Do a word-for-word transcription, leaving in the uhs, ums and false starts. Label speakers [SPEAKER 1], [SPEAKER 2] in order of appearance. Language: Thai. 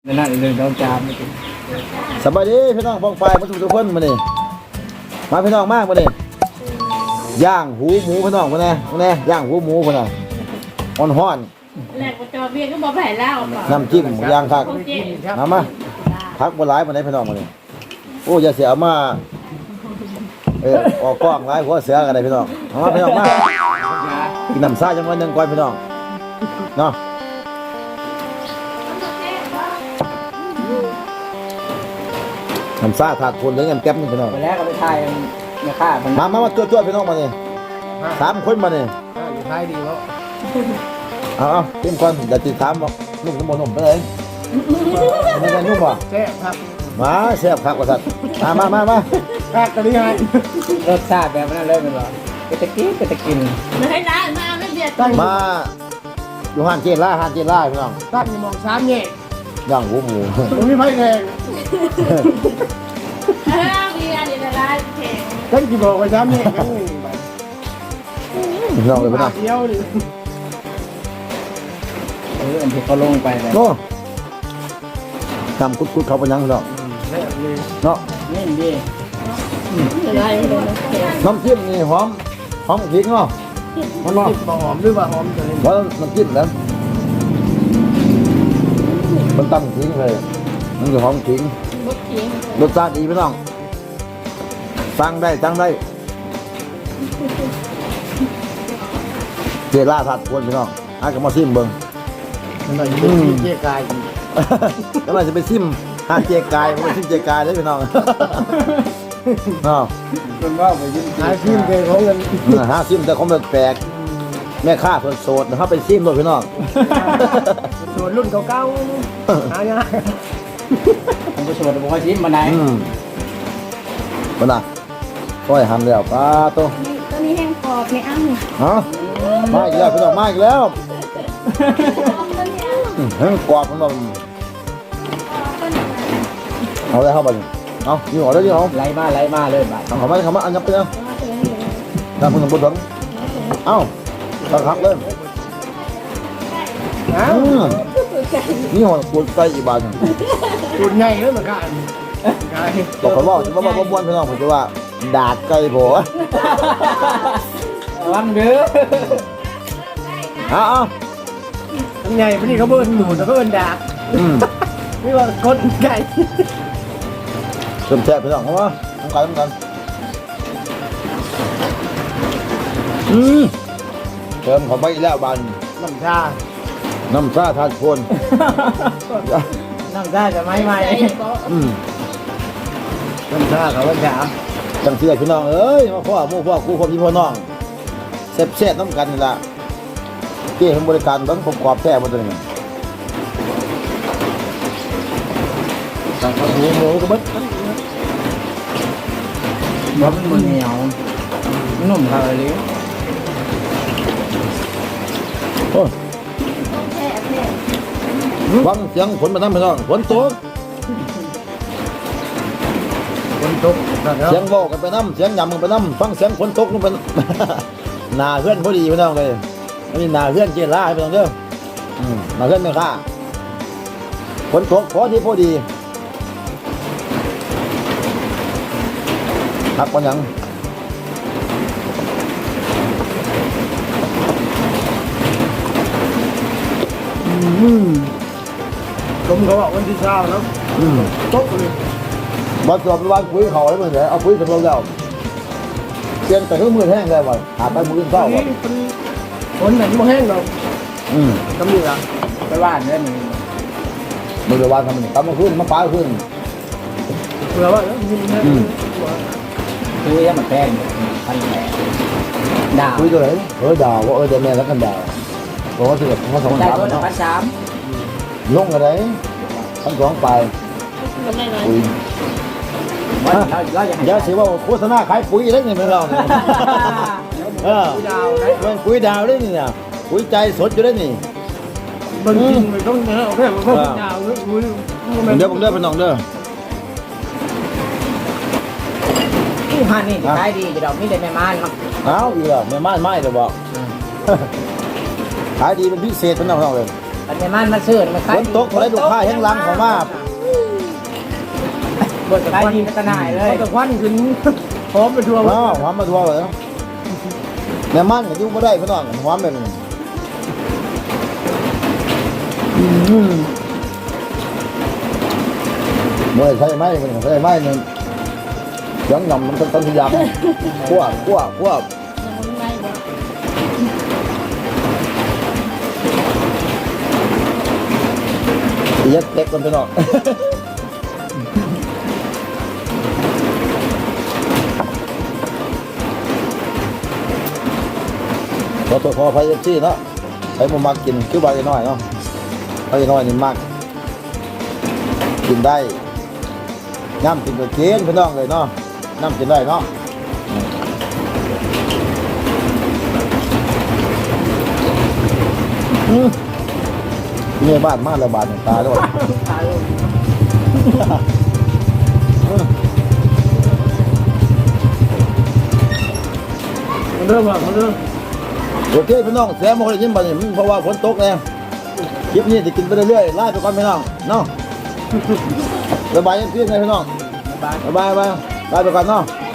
[SPEAKER 1] นั่นเลยเราจาม
[SPEAKER 2] สบายดีพี่น้องฟองไฟมาทุกคนมาเนี่ยมาพี่น้องมากมาเนี่ยย่างหูหมูพี่น้องมาเนี่ยมาเนี่ยย่างหูหมูพี่น้องอ่อนห้อน
[SPEAKER 3] แหลกจอเบี้ยก็บอกแผ่แล้ว
[SPEAKER 2] น้ำจิ้มย่างคักมามาพักบนหลายมาเนี่ยพี่น้องมาเนี่ยโอ้ยาเสียมาเออออกกล้องหลายหัวเสือกันเลยพี่น้องมาพี่น้องมากินน้ำซ่าจังวันหนึ่งก่อนพี่น้องเนาะน้ำซ่าถาดคนเลยเงินแก๊ปนี่พี่น้อง
[SPEAKER 1] ไปแล้วก็ไปถ่ายมาฆ่า
[SPEAKER 2] มามามาตัวๆพี่น้องมาเนี่ยสามคนมาเนี่ย
[SPEAKER 1] อยู่ท้ายดีวะ
[SPEAKER 2] เอาเอาเต็มก่อนเดี๋ยวติดตามบอกนุ่มน้ำมันนุ่มไปเลยไม่ได้นุ่มป่ะ
[SPEAKER 1] แซ่บครับ
[SPEAKER 2] มาแซ่บครับกษัตริย์มามามามา
[SPEAKER 1] แซ่บกันยังไงรสชาติแบบนั้นเลยเป็นหรอไปตะกี้ไปตะกิน
[SPEAKER 3] ไม่ให้ร้านมาไม่เบียด
[SPEAKER 2] มาอยู่ห้านเจล่าห้านเจล่าพี่น้อง
[SPEAKER 1] ตั้งอยู่มองซ้ำเนี่ย
[SPEAKER 2] ย่างหูหมู
[SPEAKER 1] มันไม่ไพ่แรง
[SPEAKER 3] ห้ามีอะไรในร้านแข่ง
[SPEAKER 1] ตั้งกี่บอกไปซ้ำเนี่ยยังไง
[SPEAKER 2] พี่น้องเลยพี่น้อง
[SPEAKER 1] เดียวดิเอออันที่เขาลงไปเลย
[SPEAKER 2] โน่ทำกุดๆเขาไปยังพี่น้องเนาะ
[SPEAKER 1] นี่ดี
[SPEAKER 2] น้ำจิ้มนี่หอมหอมขิงเนาะ
[SPEAKER 1] มันหอมหอมหรือว่าหอมตัวนี้
[SPEAKER 2] เพราะน้ำจิ้มแล้วมันตั้งขิงเลยมันจะหอมขิงรสชาติดีพี่น้องสั่งได้สั่งได้เจล่าถัดควรพี่น้องอากับมาซิมเบิ้ง
[SPEAKER 1] มันหน่อยเป็นเจ๊กาย
[SPEAKER 2] แล้วมันจะไปซิมห้าเจกายมันไปซิมเจกายได้พี่น้องเนาะ
[SPEAKER 1] มันว่าไปยิ้มหาซิมเกยของเงิน
[SPEAKER 2] หาซิมแต่ของแปลกแม่ค้าคนโสดนะครับไปซิมด้วยพี่น้อง
[SPEAKER 1] โสดรุ่นเก่าๆหายากผมก็โสดผมก็ซิมมาไหน
[SPEAKER 2] มันน่ะค่อยทำแล้วป้าโต
[SPEAKER 3] ตัวนี้แห้งกรอบไม่อ้ำ
[SPEAKER 2] ฮะมาอีกแล้วพี่น้องมาอีกแล้วแห้งกรอบพี่น้องเอาได้เข้าไปเอายี่ห้อได้ยี่ห้อ
[SPEAKER 1] ไล่มาไล่มาเลยบ่าย
[SPEAKER 2] ทำเขาไม่ทำมาอันยับไปแล้วทำคุณสมบูรณ์ถึงเอ้าตักหักเลยนี่หัวปูนไก่อีบาน
[SPEAKER 1] ปูนใหญ่เลยเหมือนกัน
[SPEAKER 2] บอกเขาบอกว่าว่าบ้วนพี่น้องผมจะว่าดาดไก่โผล่
[SPEAKER 1] วังเด้อ
[SPEAKER 2] เอาเอา
[SPEAKER 1] ทำไงพอดีเขาเบิ้ลหนูแล้วก็เบิ้ลดาดนี่ว่าคนไก่
[SPEAKER 2] เริ่มแซ่บพี่น้องเพราะว่าต้องการต้องการอืมเติมเขาไปแล้วบาน
[SPEAKER 1] น้ำชา
[SPEAKER 2] น้ำชาทานโคน
[SPEAKER 1] น้ำชาจะไม่ไหม
[SPEAKER 2] อืม
[SPEAKER 1] น้ำชาเขาว่าชา
[SPEAKER 2] จังเสียพี่น้องเอ้ยมาพ่อมู่พ่อคู่ความพี่พ่อน้องแซ่บแซ่บน้ำกันนี่ละเกี่ยงบริการต้องผมกรอบแซ่บมาตัวนี้
[SPEAKER 1] สั่งข้าวหมูหมูก็บึ้ดมันมันเหนียวมันนุ่มครับอะไร
[SPEAKER 2] โอ้ฟังเสียงฝนมาทำพี่น้องฝนตก
[SPEAKER 1] ฝนตก
[SPEAKER 2] เสียงโลกันไปน้ำเสียงยำมันไปน้ำฟังเสียงฝนตกลงไปหนาเพื่อนพอดีพี่น้องเลยอันนี้หนาเพื่อนเจล่าพี่น้องเด้อหนาเพื่อนไม่ค่าฝนตกพอดีพอดีพักวันยัง
[SPEAKER 1] ลมเขาบอกวันที่เช้าแล้วตกเลย
[SPEAKER 2] มาสอบไปวางปุ๋ยเขาแล้วเหมือนไงเอาปุ๋ยสำรองแล้วเปลี่ยนแต่เครื่องมือแห้งได้บ่หาไปมือเศร้าบ่
[SPEAKER 1] ฝนไหนมันแห้งเรา
[SPEAKER 2] อืม
[SPEAKER 1] กำลังไปบ้านได้ไหม
[SPEAKER 2] มือเดือดวันทำมันกำมาขึ้นมาป้าขึ้น
[SPEAKER 1] เผื่อว่าแล้ว
[SPEAKER 2] อืม
[SPEAKER 1] คุยมันแพงพันแปดดาว
[SPEAKER 2] คุยตัวไหนเออดาวว่าเออเดี๋ยวแม่แล้วกันดาวบอกว่าสิบเขาสองพันสามเนาะ
[SPEAKER 1] พันสาม
[SPEAKER 2] ลงอะไรพันสองไปปุ๋ยอย่าเสียว่าโฆษณาขายปุ๋ยได้ไงไม่เราเออเป็นปุ๋ยดาวได้นี่เนี่ยปุ๋ยใจสดอยู่ได้นี่
[SPEAKER 1] บางทีมันต้องเนอะแค่ปุ๋ยดาว
[SPEAKER 2] เดี๋ยวผมเดินไปน้องเด้อ
[SPEAKER 1] ที่ฮันนี่ขายดีจะดอกนี่ได้แม่ม่านมั้ง
[SPEAKER 2] เอาอีกแล้วแม่ม่านไม่เลยบอกขายดีเป็นพิเศษเป็นน้องๆเลย
[SPEAKER 1] อันนี้มันมาซื้อมา
[SPEAKER 2] ฝนตกคนได้ลูกค้าแห้งลังของมา
[SPEAKER 1] บดตะควันกระหน่ายเลยตะควันขึ้นพร้อมไปทัวร์
[SPEAKER 2] ว้าวหอมมาทั่วเลยแม่มันก็อยู่บ่ได้พี่น้องหอมแบบนี้อืมเมื่อใช่ไหมมันใช่ไหมนึงยังยำมันต้นทุนยำคั่วคั่วคั่ว
[SPEAKER 3] ยังไม่ได้บอก
[SPEAKER 2] เย็ดเล็กกันพี่น้องพอตัวพอไฟเอฟซีเนาะไอ้ผมมากินคิ้วใบน้อยเนาะใบน้อยนี่มากกินได้น้ำกินกับเค้กพี่น้องเลยเนาะน้ำกินได้เนาะอืมเนี่ยบ้านมาแล้วบาดตาด้วย
[SPEAKER 1] มันเริ่มแล้วมันเริ่ม
[SPEAKER 2] โอเคพี่น้องแซมมาเลยยิ้มไปนี่เพราะว่าฝนตกไงคลิปนี้จะกินไปเรื่อยๆไล่ไปก่อนพี่น้องเนาะสบายยังเพียงไงพี่น้อง
[SPEAKER 1] บาย
[SPEAKER 2] สบายไปไล่ไปก่อนเนาะ
[SPEAKER 3] บ